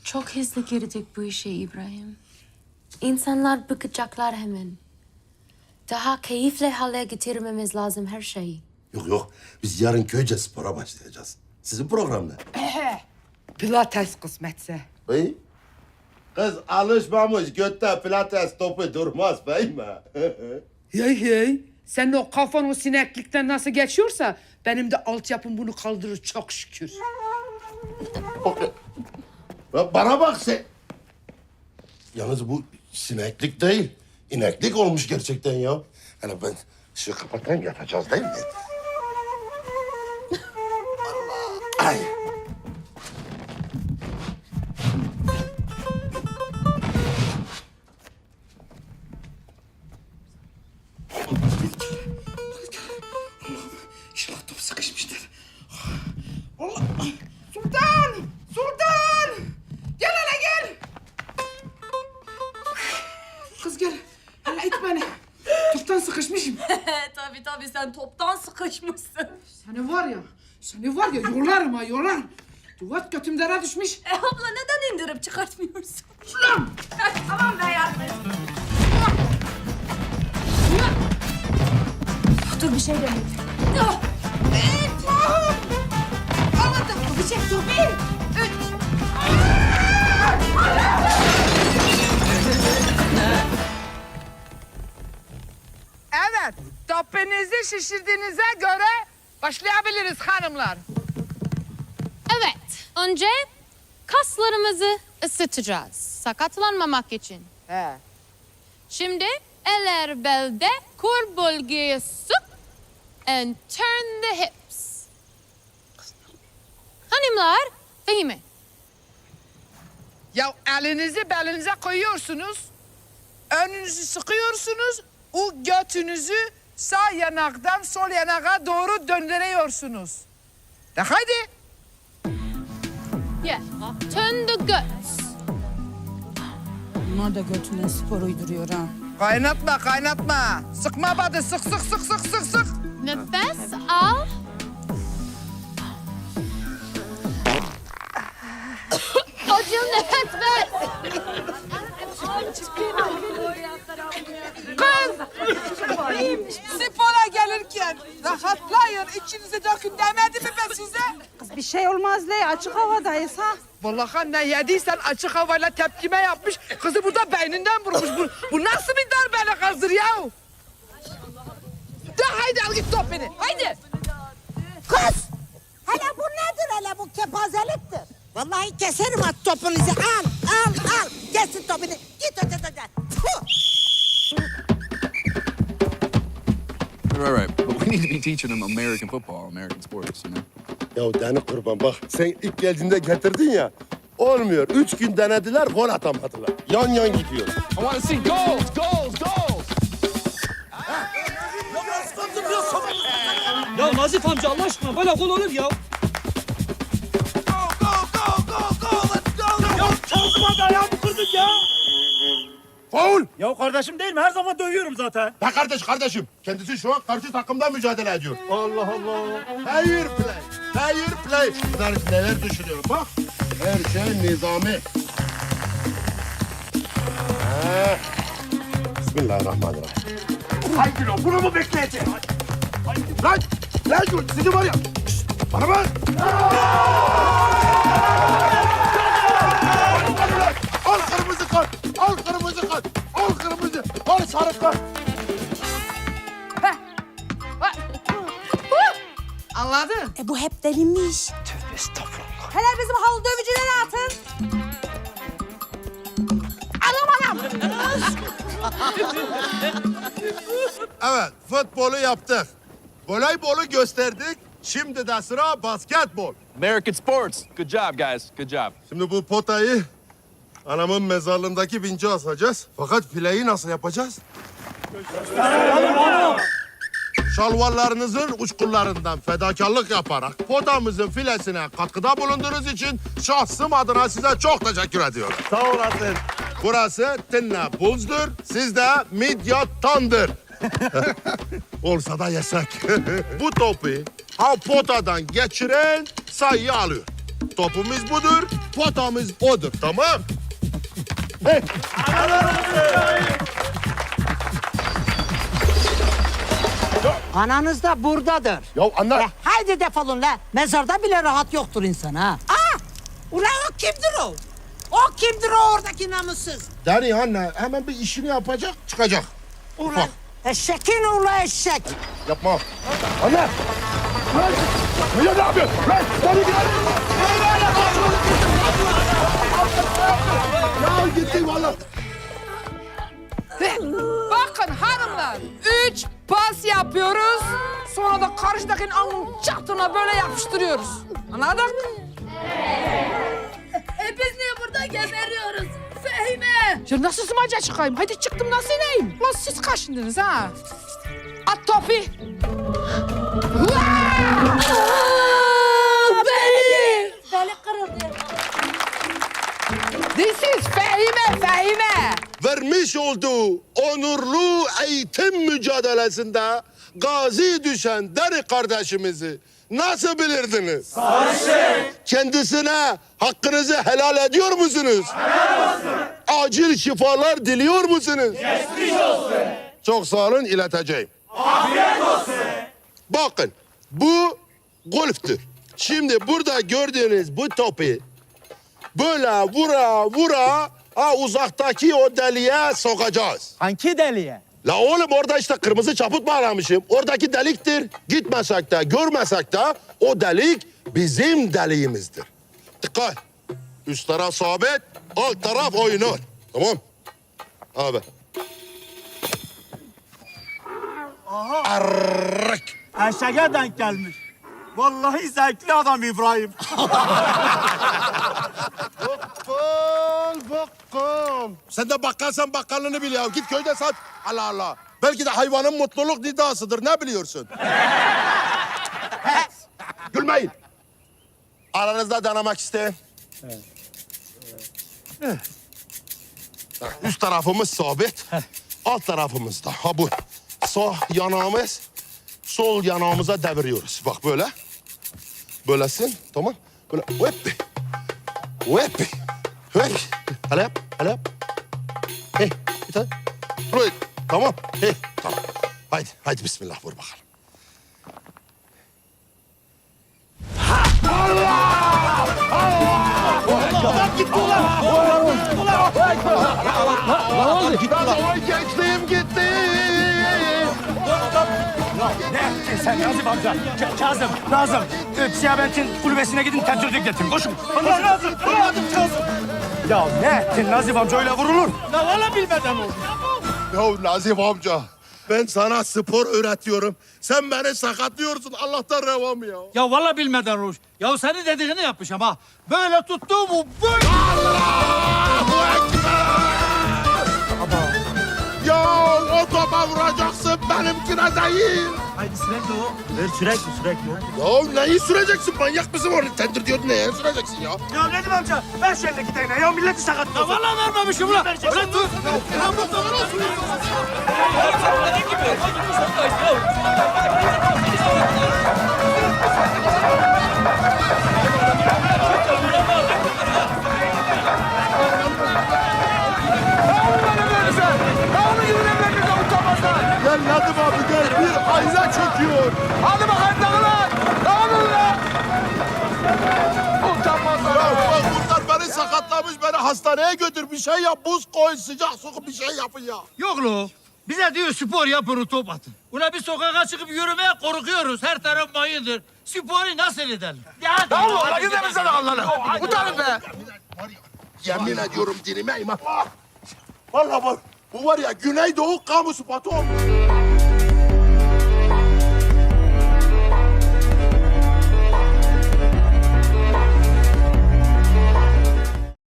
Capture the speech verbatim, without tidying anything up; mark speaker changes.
Speaker 1: Çok hızlı girdik bu işe İbrahim. İnsanlar bıkacaklar hemen. Daha keyifli hale getirmemiz lazım her şeyi.
Speaker 2: Yok yok, biz yarın köyce spora başlayacağız. Sizin program ne?
Speaker 3: Pilates kısmetse.
Speaker 2: Bey? Kız alışmamış, götte pilates topu durmaz bey mi?
Speaker 3: Hey hey. Senin o kafan o sineklikten nasıl geçiyorsa benim de altyapım bunu kaldırır çok şükür.
Speaker 2: Ya bana bak sen. Yalnız bu sineklik değil, ineklik olmuş gerçekten ya. Hani ben ışığı kapatayım, yatacağız değil mi? Allah! Ay!
Speaker 3: İnşallah top sıkışmıştır. Allah! Sultan! Sultan! Gel hele gel! Kız gel. Hele it beni. Toptan sıkışmışım.
Speaker 4: tabii tabii sen toptan sıkışmışsın.
Speaker 3: Seni var ya, seni var ya yolarım ha yolarım. Duvat götümdere düşmüş.
Speaker 4: E abla neden indirip çıkartmıyorsun?
Speaker 3: Ulan!
Speaker 4: Tamam be yardım. Dur bir şey demeyeyim. Dur. Evet. Anladım. Bir şey dur. Bir. Üç.
Speaker 3: Evet, topinizi şişirdiğinize göre başlayabiliriz hanımlar.
Speaker 5: Evet, önce kaslarımızı ısıtacağız sakatlanmamak için.
Speaker 3: He.
Speaker 5: Şimdi eller belde, kol bölgeye sık and turn the hips. Hanımlar, Fehime.
Speaker 3: Ya elinizi belinize koyuyorsunuz, önünüzü sıkıyorsunuz, o götünüzü sağ yanaktan sol yanağa doğru döndürüyorsunuz. De haydi.
Speaker 5: Yeah, turn the guts.
Speaker 6: Bunlar da götünden spor uyduruyor ha.
Speaker 3: Kaynatma, kaynatma. Sıkma badı, sık sık sık sık sık sık.
Speaker 5: Nefes al. Acil nefes ver.
Speaker 3: Kız! Spora gelirken rahatlayın, içinizi dökün demedi mi ben size?
Speaker 6: Kız bir şey olmaz Ley, açık havadayız ha.
Speaker 3: Vallahi ne yediysen açık havayla tepkime yapmış. Kızı burada beyninden vurmuş. Bu, bu nasıl bir darbeyle kazdır ya? De haydi al git top beni. Haydi.
Speaker 7: Kız! Hele bu nedir hele bu kepazeliktir. Vallahi keserim at topunuzu. Al, al, al. Kesin topunu. Git öte öte. Tfuh!
Speaker 8: Right, right. But we need to be teaching them American football, American sports, you know?
Speaker 2: Ya dene kurban bak, sen ilk geldiğinde getirdin ya. Olmuyor. Üç gün denediler, gol atamadılar. Yan yan gidiyor.
Speaker 8: I want to see goals, goals, goals!
Speaker 9: Ya Nazif amca Allah aşkına böyle gol olur ya. Ya Kazım abi ayağımı kırdın ya.
Speaker 2: Faul!
Speaker 9: Ya kardeşim değil mi? Her zaman dövüyorum zaten.
Speaker 2: Ha kardeş kardeşim. Kendisi şu an karşı takımda mücadele ediyor.
Speaker 9: Allah Allah.
Speaker 2: Fair play. Fair play. Bunlar neler düşünüyorum bak. Her şey nizami. Ha. Bismillahirrahmanirrahim.
Speaker 9: Haydi lan bunu mu bekleyeceğim?
Speaker 2: Lan! Lan dur! Sizi var ya! Şşt, bana bak! Al kırmızı kart! Al kırmızı kart! Al kırmızı! Al sarı kart!
Speaker 3: Anladın?
Speaker 7: E bu hep delinmiş.
Speaker 9: Tövbe estağfurullah.
Speaker 7: Hele bizim halı dövücüleri atın. Anam anam.
Speaker 2: Evet, futbolu yaptık. Voleybolu gösterdik. Şimdi de sıra basketbol.
Speaker 8: American sports. Good job, guys. Good job.
Speaker 2: Şimdi bu potayı anamın mezarlığındaki vince asacağız. Fakat fileyi nasıl yapacağız? Şalvarlarınızın uçkurlarından fedakarlık yaparak potamızın filesine katkıda bulunduğunuz için şahsım adına size çok teşekkür ediyorum.
Speaker 9: Sağ olasın.
Speaker 2: Burası Tinna Bulls'dur, siz de Midya Thunder. Olsa da yesek. Bu topu ha potadan geçiren sayıyı alıyor. Topumuz budur, potamız odur. Tamam. Hey.
Speaker 7: Ananız da buradadır.
Speaker 2: Ya anne.
Speaker 7: E, haydi defolun la. Mezarda bile rahat yoktur insan ha. Aa! Ulan o kimdir o? O kimdir o oradaki namussuz?
Speaker 2: Deri anne hemen bir işini yapacak çıkacak.
Speaker 7: Ulan
Speaker 2: Bak.
Speaker 7: eşekin ula eşek.
Speaker 2: Yapma. Anne. Lan. Ya ne yapıyorsun? Lan. Deri gel. Ya gitti vallahi.
Speaker 3: Bakın hanımlar, üç pas yapıyoruz. Sonra da karşıdakinin alnının çatına böyle yapıştırıyoruz. Anladık?
Speaker 5: E biz niye burada geberiyoruz? Fehime!
Speaker 3: Ya nasıl smaca çıkayım? Hadi çıktım nasıl ineyim? Lan siz kaçındınız ha? At topu.
Speaker 5: Beni! Beni kırıldı.
Speaker 3: This is Fehime, Fehime.
Speaker 2: Vermiş olduğu onurlu eğitim mücadelesinde gazi düşen Deri kardeşimizi nasıl bilirdiniz? Kendisine hakkınızı helal ediyor musunuz? Helal olsun. Acil şifalar diliyor musunuz? Geçmiş olsun. Çok sağ olun, ileteceğim. Afiyet olsun. Bakın, bu golftür. Şimdi burada gördüğünüz bu topu böyle vura vura ha uzaktaki o deliğe sokacağız.
Speaker 9: Hangi deliye?
Speaker 2: La oğlum orada işte kırmızı çaput bağlamışım. Oradaki deliktir. Gitmesek de görmesek de o delik bizim deliğimizdir. Dikkat. Üst taraf sabit, alt taraf oynuyor. Tamam. Abi.
Speaker 9: Aha.
Speaker 2: Arrrk.
Speaker 9: Eşeğe denk gelmiş. Vallahi zevkli adam İbrahim.
Speaker 2: Bakkal, bakkal. Sen de bakkalsan bakkallığını bil ya. Git köyde sat. Allah Allah. Belki de hayvanın mutluluk nidasıdır. Ne biliyorsun? Gülmeyin. Aranızda denemek isteyen. Üst tarafımız sabit. Alt tarafımız da. Ha bu. Sağ yanağımız sol yanağımıza deviriyoruz. Bak böyle. Böylesin. Tamam. Böyle. Hoppi. Hoppi. Hoppi. Hele yap. Hele yap. Hey. Bir tane. Buraya. Tamam. Hey. Tamam. Haydi. Haydi bismillah vur bakalım. Lan gençliğim gitti.
Speaker 9: Ne? Sen Nazım amca. Ka- Kazım, Nazım. Ee, Siyabetin kulübesine gidin tentürdük getirin. Koşun. Allah Nazım. Nazım Kazım. Ya ne ettin Nazım amca öyle vurulur? Ya valla bilmeden oldu.
Speaker 2: Ya Nazif amca. Ben sana spor öğretiyorum. Sen beni sakatlıyorsun. Allah'tan revam ya.
Speaker 9: Ya valla bilmeden Ruş. Ya senin dediğini yapmış ama. Böyle tuttu mu böyle.
Speaker 2: Allahu Ekber! Ya o topa vuracaksın benimkine değil.
Speaker 9: Haydi sürekli o. Ver sürekli sürekli.
Speaker 2: Ya neyi süreceksin? Manyak mısın orada? Tendir diyor neye süreceksin ya?
Speaker 9: Ya Nedim amca ver şu eldeki değneği ya milleti sakatlıyorsun. Ya valla vermemişim ulan. Ulan dur.
Speaker 2: Gel Nedim abi gel bir aile çöküyor.
Speaker 9: Hadi bakalım dağılın. Dağılın lan.
Speaker 2: Ya bak bunlar beni sakatlamış beni hastaneye götür bir şey yap buz koy sıcak sokup bir şey yapın ya.
Speaker 9: Yok lo. Bize diyor spor yapın top atın. Ulan bir sokağa çıkıp yürümeye korkuyoruz. Her taraf mayındır. Sporu nasıl edelim? Ya Allah Allah gidelim sana Allah'ına. Utanın be.
Speaker 2: Yemin ediyorum dinime iman. Vallahi bak bu var ya Güneydoğu kamu spotu olmuş.